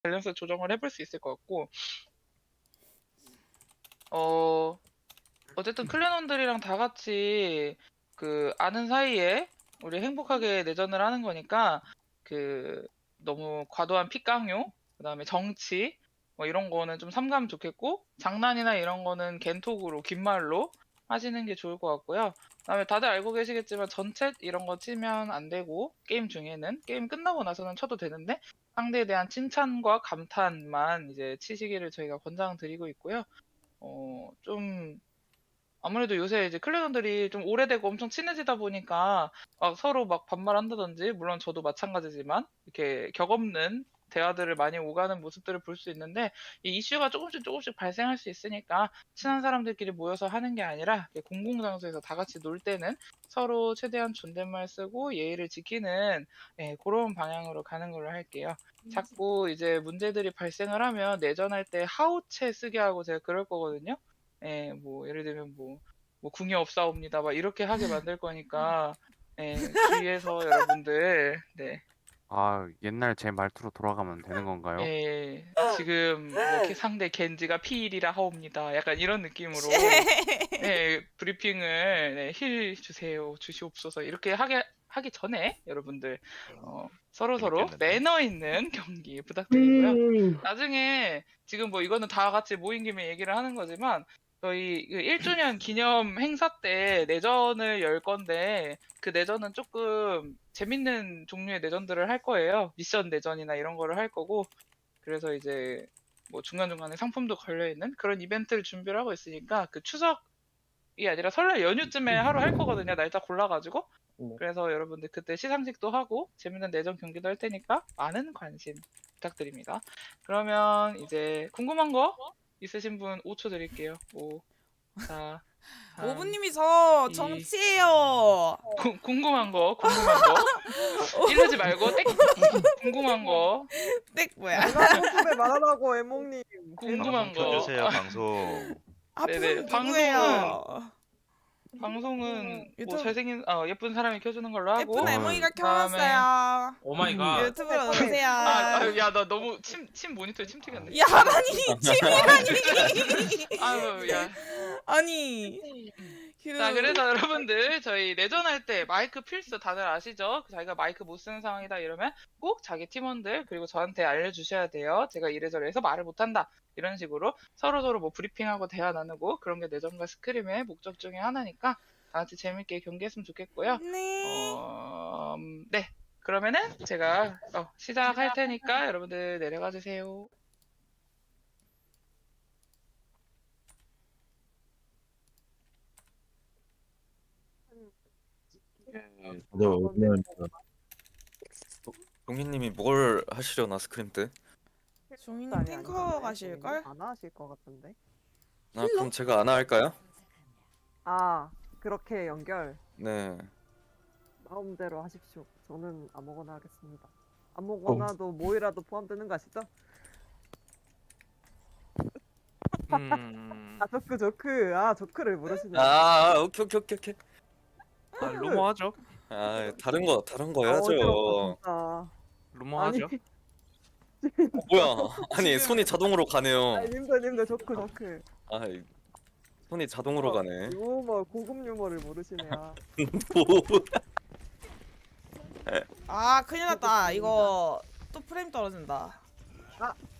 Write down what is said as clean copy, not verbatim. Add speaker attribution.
Speaker 1: 밸런스 조정을 해볼 수 있을 것 같고, 어, 어쨌든 클랜원들이랑 다 같이 그 아는 사이에 우리 행복하게 내전을 하는 거니까 그 너무 과도한 픽강요, 그다음에 정치 뭐 이런 거는 좀 삼가면 좋겠고 장난이나 이런 거는 겐톡으로 긴 말로 하시는 게 좋을 것 같고요. 그다음에 다들 알고 계시겠지만 전챗 이런 거 치면 안 되고 게임 중에는 게임 끝나고 나서는 쳐도 되는데 상대에 대한 칭찬과 감탄만 이제 치시기를 저희가 권장드리고 있고요. 좀 아무래도 요새 이제 클랜원들이 좀 오래되고 엄청 친해지다 보니까 막 서로 막 반말한다든지, 물론 저도 마찬가지지만 이렇게 격없는 대화들을 많이 오가는 모습들을 볼 수 있는데, 이 이슈가 조금씩 조금씩 발생할 수 있으니까 친한 사람들끼리 모여서 하는 게 아니라 이렇게 공공장소에서 다 같이 놀 때는 서로 최대한 존댓말 쓰고 예의를 지키는, 그런 방향으로 가는 걸로 할게요. 자꾸 이제 문제들이 발생을 하면 내전할 때 하우체 쓰게 하고 제가 그럴 거거든요. 뭐 예를 들면 뭐 궁이 없사옵니다 막 이렇게 하게 만들 거니까, 주의해서 여러분들, 네,
Speaker 2: 아, 옛날 제 말투로 돌아가면 되는 건가요?
Speaker 1: 지금 뭐 상대 겐지가 피일이라 하옵니다 약간 이런 느낌으로, 브리핑을, 힐 주세요 주시옵소서 이렇게 하기 전에 여러분들 서로
Speaker 3: 재밌겠는데?
Speaker 1: 매너 있는 경기 부탁드리고요. 나중에 지금 뭐 이거는 다 같이 모인 김에 얘기를 하는 거지만 저희 그 1주년 기념 행사 때 내전을 열 건데, 그 내전은 조금 재밌는 종류의 내전들을 할 거예요. 미션 내전이나 이런 거를 할 거고, 그래서 이제 뭐 중간중간에 상품도 걸려 있는 그런 이벤트를 준비를 하고 있으니까, 그 추석이 아니라 설날 연휴쯤에 하루 할 거거든요. 날짜 골라가지고. 그래서 여러분들 그때 시상식도 하고 재밌는 내전 경기도 할 테니까 많은 관심 부탁드립니다. 그러면 이제 궁금한 거 있으신 분 5초 드릴게요. 5, 4, 3,
Speaker 4: 오부님이 저
Speaker 1: 2,
Speaker 4: 정치예요.
Speaker 1: 궁금한 거 이러지 말고 땡. 궁금한 거
Speaker 4: 땡 뭐야?
Speaker 5: 소금에 말하라고 애몽님.
Speaker 1: 궁금한
Speaker 3: 방송
Speaker 1: 거.
Speaker 3: 켜주세요 방송.
Speaker 1: 네네,
Speaker 4: 아픈 누구예요?
Speaker 1: 방송은 뭐
Speaker 4: 유튜브-
Speaker 1: 잘생긴 예쁜 사람이 켜주는 걸로 하고.
Speaker 4: 예쁜 애몽이가
Speaker 1: 그다음에
Speaker 4: 켜놨어요.
Speaker 6: 오마이갓.
Speaker 4: 유튜브로 오세요.
Speaker 1: 야, 나 너무 침 모니터에 침 튀겼네.
Speaker 4: 야 아니 침이라니.
Speaker 1: 아유, 야.
Speaker 4: 아니.
Speaker 1: 자, 그래서 여러분들 저희 내전할 때 마이크 필수 다들 아시죠? 자기가 마이크 못 쓰는 상황이다 이러면 꼭 자기 팀원들 그리고 저한테 알려주셔야 돼요. 제가 이래저래 해서 말을 못한다 이런 식으로 서로서로 뭐 브리핑하고 대화 나누고, 그런 게 내전과 스크림의 목적 중에 하나니까 다 같이 재밌게 경기했으면 좋겠고요.
Speaker 4: 네.
Speaker 1: 네, 그러면은 제가 시작할 테니까 여러분들 내려가 주세요.
Speaker 7: 다들 오랜만이다.
Speaker 8: 동희님이 뭘 하시려나 스크림 때?
Speaker 4: 종이님 탱커 가실걸?
Speaker 5: 안 하실 것 같은데.
Speaker 8: 아 그럼 제가 안 할까요?
Speaker 5: 아 그렇게 연결
Speaker 8: 네.
Speaker 5: 마음대로 하십시오. 저는 아무거나 하겠습니다. 아무거나도 뭐이라도 포함되는 거 아시죠? 아 조크 아 조크를 모르시네.
Speaker 8: 오케이 오케이 오케이 오케이.
Speaker 6: 루머 하죠.
Speaker 8: 다른 거
Speaker 5: 어지럽다
Speaker 8: 해야죠.
Speaker 5: 진짜.
Speaker 6: 루머
Speaker 5: 아니,
Speaker 6: 하죠.
Speaker 8: 뭐야? 아니 손이 자동으로 가네요.
Speaker 5: 아니 님들 조크.
Speaker 8: 아 손이 자동으로 가네.
Speaker 5: 유머 고급 유머를 모르시네요.
Speaker 8: 뭐?
Speaker 4: 아 큰일 났다. 이거 또 프레임 떨어진다.